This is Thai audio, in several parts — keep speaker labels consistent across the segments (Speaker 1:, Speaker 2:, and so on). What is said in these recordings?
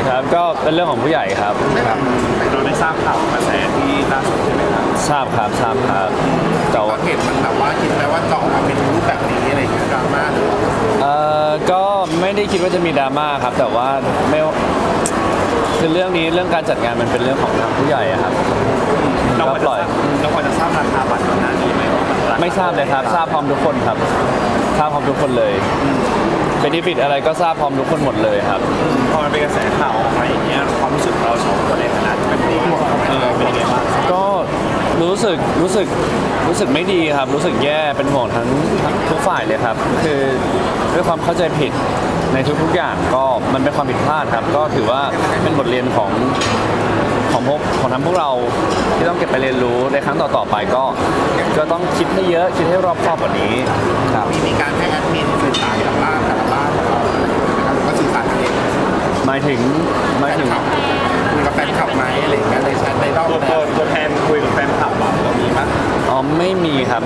Speaker 1: ครับก็เป็นเรื่องของผู้ใหญ่ครับ
Speaker 2: ครับเราได้ทราบข่าวกระแสที่ล่าสุดใช่ไหมครับ
Speaker 1: ทราบครับแต่
Speaker 3: ก็
Speaker 1: ว่า
Speaker 3: เห็นมันแบบว่าคิดไหมว่าจะออกมาเป็นรูปแบบนี้อะไรอย่างเงี้ยดราม่าหรือว่า
Speaker 1: ก็ไม่ได้คิดว่าจะมีดราม่าครับแต่ว่าไม่คือเรื่องการจัดงานมันเป็นเรื่องของทางผู้ใหญ่อะครับ
Speaker 2: เราพอ
Speaker 1: ก็ปล่อย
Speaker 2: จะทราบราคาบัตรก่อนหน้านี้ไหมว่ามันราคา
Speaker 1: ไม่ทราบเลยครับทราบพร้อมทุกคนครับทราบพร้อมทุกคนเลยเป็นนิฟิตอะไรก็ทราบพร้อมทุกคนหมดเลยครับ
Speaker 2: พอมันเป็นกระแสข่าวออกมาอย่างเงี้ยความรู้สึกเราสองคนในฐานะที่เป็นผู้เป็นยังไงบ้าง
Speaker 1: ก็รู้สึกไม่ดีครับ รู้สึกแย่เป็นห่วงทั้งทุกฝ่ายเลยครับ คือด้วยความเข้าใจผิดในทุกๆอย่างก็มันเป็นความผิดพลาดครับ ก็ถือว่าเป็นบทเรียนของทั้งพวกเราที่ต้องเก็บไปเรียนรู้ในครั้งต่อๆไปก็ต้องคิดให้เยอะคิดให้รอบคอบกว่านี้ครับ
Speaker 3: มีการให้แอดมินสื่อสารกับบ้านแต่ละบ้านของเราอะไรอย่างเงี้ยนะครับหรือว่าสื่อสารกันเอง
Speaker 1: หมายถึง
Speaker 3: แฟนคลับคุยกับแฟนคลับไหมอะไรอย่างเงี้ยในแชทในรอบ
Speaker 2: ตัวแทนคุยกับแฟนคลับเรามีมั้ย
Speaker 1: อ๋อไม่มีครับ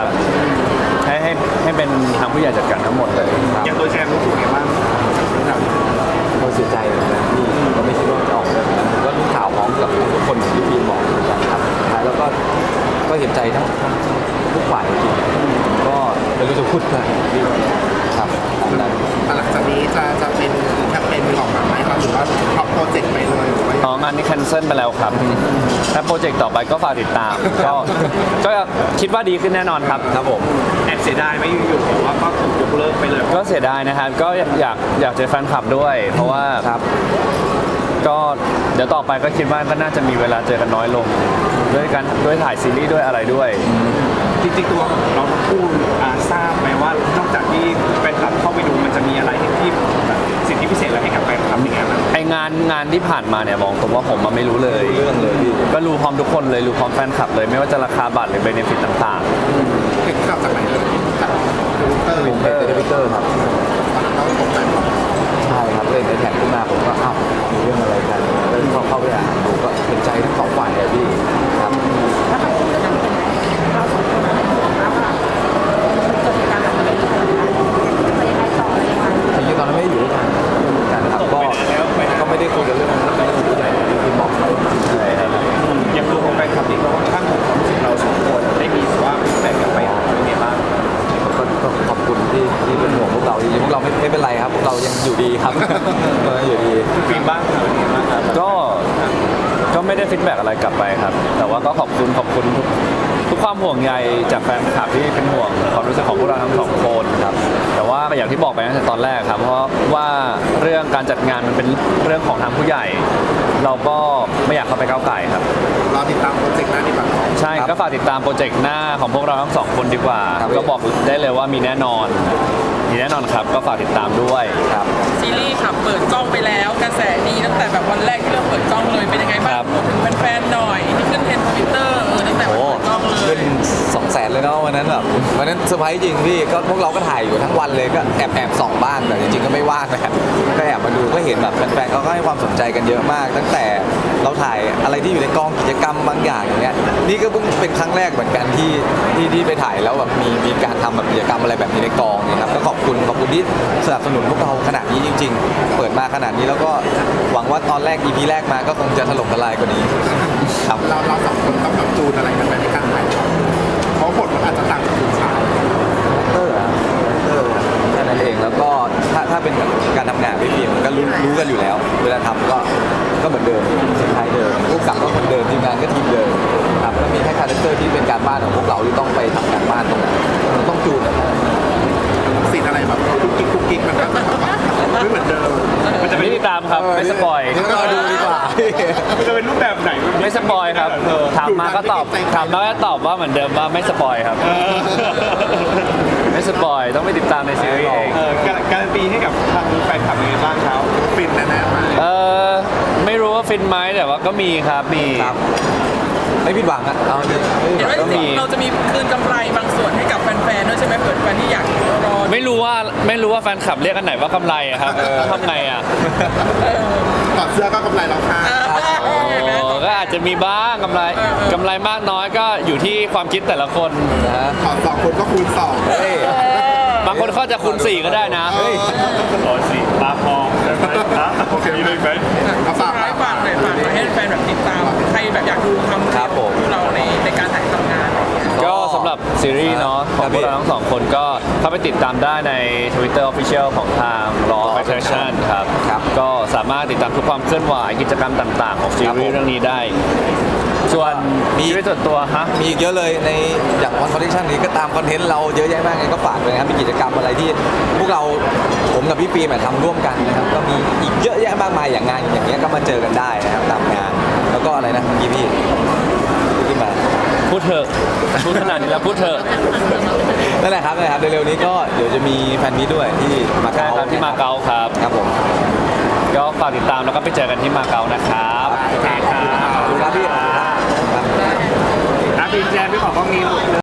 Speaker 1: ให้เป็นทางผู้ใหญ่จัดการทั้งหมดเลยครับ
Speaker 2: อย่างตัวแทนรู้สึกไงบ้าง
Speaker 4: ก็เสียใจเหมือนกันที่ก็ไม่คิดว่าจะออกแบบนั้นก็รู้ข่าวพร้อมกับทุกคนที่พี่บอกเหมือนกันครับสุดท้ายแล้วก็เห็นใจทั้งทุกฝ่ายจริงๆก็ไม่รู้จะพูดอะไรพี่ครับตามนั้น
Speaker 3: หลังจากนี้จะเป็นแคมเปญออกมาไหมครับหรือว่าท็อปโปรเจกต์ไปเลยหรือว่า
Speaker 1: อ๋องานนี้แคนเซิลไปแล้วครับถ้าโปรเจกต์ต่อไปก็ฝากติดตามก็คิดว่าดีขึ้นแน่นอนครับ
Speaker 4: ครับผม
Speaker 2: แอบเสียดายไหมอยู่ๆบอกว่าก็ถูกยกเลิกไปเลย
Speaker 1: ก็เสียดายนะครับก็อยากเจอแฟนคลับด้วย เพราะว่า
Speaker 4: ครับ
Speaker 1: ก็เดี๋ยวต่อไปก็คิดว่าก็น่าจะมีเวลาเจอกันน้อยลงด้วยถ่ายซีรีส์ด้วยอะไรด้วย
Speaker 2: จริงๆตัวเราทั้งคู่ทราบไหมว่านอกจากที่แฟนคลับเข้าไปดูมันจะมีอะไรที่แบบสิทธิพิเศษอะไรให้กับแฟนคลับอย่างเงี้ยนะ
Speaker 1: ไองานที่ผ่านมาเนี่ยบอกตรงว่าผมไม่รู้เลย
Speaker 4: เรื่องเลยพี่
Speaker 1: ก็รู้พร้อมทุกคนเลยรู้พร้อมแฟนคลับเลยไม่ว่าจะราคาบัตรหรือเบเนฟิตต่าง
Speaker 3: เห็นข่าวจากไหนเลยจากทวิตเตอร์
Speaker 4: เป็นเทวิตเตอร์ครับ
Speaker 3: เขาตกใจหมด
Speaker 4: ใช่ครับเล่นในแท็กขึ้นมาผมก็อ้าวมีเรื่องอะไรกันแล้วเข้าไปอ่านดูก็เห็นใจทั้งสองฝ่ายเลยพี่ครับ
Speaker 5: แล้วทางคุณจะทำเป็นไงเราสองคนบอกแล้วว่าเกิดเหตุการณ์แบบนี้จะยังไงต่ออะไรยังไง
Speaker 4: จริงๆตอนนั้นไม่ได้อยู่ด้วยกันนะครับก็ไม่ได้คุยกันเรื่องนั้นไม่ได้คุยกันอย่างที่บอกไป
Speaker 1: ๆใช่ครับ
Speaker 2: อย่างตัวของแฟนคลับนี่เขาค่อนข้างห่วงความรู้สึกเราสองคนได้มีว่าแบ่งกันไปเป็นไงบ้าง
Speaker 4: ก็ขอบคุณที่เป็นห่วงพวกเราจริงๆพวกเราไม่เป็นไรครับพวกเรายังอยู่ดีครับ เรายังอยู่ดี
Speaker 2: ฟิล์มบ้างเป็นไงบ้างครับ
Speaker 1: ก็ไม่ได้ฟีดแบ็กอะไรกลับไปครับ แต่ว่าก็ขอบคุณทุกความห่วงใยจากแฟนคลับที่เป็นห่วงความรู้สึกของพวกเราทั้งสองคนครับแต่ว่าอย่างที่บอกไปตั้งแต่ตอนแรกครับเพราะว่าเรื่องการจัดงานมันเป็นเรื่องของทางผู้ใหญ่ เราก็ไม่อยากเข้าไปก้าวไก่ครับ
Speaker 3: รอติดตามโปรเจกต์หน้าดีกว่า
Speaker 1: ใช่ก็ฝากติดตามโปรเจกต์หน้าของพวกเราทั้งสองคนดีกว่า ก็บอกได้เลยว่ามีแน่นอนครับก็ฝากติดตามด้วย
Speaker 4: ครับ
Speaker 6: ซีรีส์ค่ะเปิดกล้องไปแล้วกระแสดีตั้งแต่แบบวันแรกที่เราเปิดกล้องเลยเป็นยังไงบ้าง
Speaker 1: ครับ
Speaker 6: พูดถึงแฟนๆหน่อยที่ขึ้นเทรนด์ทวิตเตอร์ตั้งแต่วันเปิดกล้องเล
Speaker 4: ขึ้
Speaker 6: ย
Speaker 4: น200,000เลยเนาะวันนั้นแบบวันนั้นเซอร์ไพรส์จริงพี่ก็พวกเราก็ถ่ายอยู่ทั้งวันเลยก็แอบส่องบ้างแต่จริงๆก็ไม่ว่างนะก็แอบมาดูก็เห็นแบบแฟนๆเขาก็ให้ความสนใจกันเยอะมาก ตั้งแต่เราถ่ายอะไรที่อยู่ในกองกิจกรรมบางอย่างอย่างเงี้ยนี่ก็เพิ่งเป็นครั้งแรกเหมือนกันที่ไปถ่ายแล้วแบบมีการทำแบบกิจกรรมอะไรแบบนี้ในกองเนี่ยครับก็ขอบคุณที่สนับสนุนพวกเราขนาดนี้จริง ๆ เปิดมาขนาดนี้แล้วก็หวังว่าตอนแรก EP แรกมาก็คงจะถล่มทลายกว่านี้ครับ
Speaker 3: เราสองคนต้องแบบจูนอะไรกันไหมในการถ่ายทำเพราะบทมันอาจจะต่างจากผู้ชาย
Speaker 4: เตอร์แค่นั้นเองแล้วก็ถ้าเป็นแบบการทำงานพี่ฟิล์มก็รู้กันอยู่แล้ว เวลาทำก็เหมือนเดิมคล้ายๆเดิมผู้กำกับก็เหมือนเดิมทีมงานก็ทีมเดิมครับแล้วมีแค่คาแรคเตอร์ที่เป็นการบ้านของพวกเราที่ต้องไปทำการบ้านตรงนั้นมันต้องจูนแบบนั้น
Speaker 3: สิ่งอะไรแบบคุกกิ๊กมันก็จะแบบว่าไม่เหมือนเดิม
Speaker 2: มันจะ
Speaker 1: ไม่
Speaker 2: เป็น
Speaker 1: ติดตามครับไม่สปอย
Speaker 4: นี่ก็ดูดีกว่า
Speaker 2: มันจะเป็นรูปแบบไหน
Speaker 1: ไม่สปอยครับถามมาก็ตอบว่าเหมือนเดิมว่าไม่สปอยครับไม่สปอยต้องไปติดตามในซีรีส์เอง
Speaker 2: การันตีให้กับทางแฟนคลับยังไงบ้างครับ
Speaker 3: ฟินแน่ๆมาก
Speaker 1: ไม่รู้ว่าฟินไหมแต่ว่าก็มีครับมี
Speaker 4: ครับไม่ผิดหวังอ่ะเอาจริงไม่ผิด
Speaker 6: เห็
Speaker 4: ห
Speaker 6: น
Speaker 4: วัง
Speaker 6: ว่า
Speaker 4: ก็มี
Speaker 6: เราจะมีคืนกำไรบางส่วนให้กับแฟนๆด้วยใช่ไหมเปิดแฟนที่อยากรอ
Speaker 1: ไม่รู้ว่าแฟนคลับเรียกกันไหนว่ากำไรอะครับทำไงอะ
Speaker 3: ถอดเสื้อก็กำไรแล้วค่ะ
Speaker 6: เห็นไหม
Speaker 1: ก็อาจจะมีบ้างกำไรมากน้อยก็อยู่ที่ความคิดแต่ละคน
Speaker 4: นะ
Speaker 3: ถอดสองคนก็คูณสอง
Speaker 4: เฮ้ย
Speaker 1: บางคนเขาจะคูณ4ก็ได้นะ
Speaker 4: เฮ้ย
Speaker 2: ขอสิตาพองได้ไหมครับโอเคได้ไหม
Speaker 6: อยากดูความ
Speaker 4: ครับผม
Speaker 6: ของเราในการถ่ายทำงานอะไรอย่างเงี้ย
Speaker 1: ก็สำหรับซีรีส์เนาะของพวกเราทั้งสองคนก็เข้าไปติดตามได้ใน Twitter Official ของทาง Law of Attraction ครับ
Speaker 4: ครับ
Speaker 1: ก็สามารถติดตามทุกความเคลื่อนไหวกิจกรรมต่างๆ ของซีรีส์เรื่องนี้ได้ ส่วน
Speaker 4: มี
Speaker 1: ชีวิตส่วนตัวฮะ
Speaker 4: มีอีกเยอะเลยในอย่างวันคอนเทนต์นี้ก็ตามคอนเทนต์เราเยอะแยะมากเลยก็ฝากเลยนะครับมีกิจกรรมอะไรที่พวกเราผมกับพี่ฟิล์มทำร่วมกันนะครับก็มีอีกเยอะแยะมากมายอย่างงานอย่างเงี้ยก็มาเจอกันได้นะครับตามงาน แล้วก็อะไรนะเมื่อกี้พี่ขึ้นมา
Speaker 1: พูดเถอะพูดขนาดนี้แล้วพูดเถอะ
Speaker 4: นั่นแหละครับเร็วๆนี้ก็เดี๋ยวจะมีแฟนมีตด้วยที่มา
Speaker 1: ใช่
Speaker 4: เก๊า
Speaker 1: ครับที่มาเก๊าครับ
Speaker 4: ครับผม
Speaker 1: ก็ฝากติดตามแล้วก็ไปเจอกันที่มาเก๊านะครับ
Speaker 2: โอเคครับ
Speaker 4: ขอบคุณครับพี่ขอบคุณครับ
Speaker 2: อ่ะพี่แจนพี่ขอกล้องนี้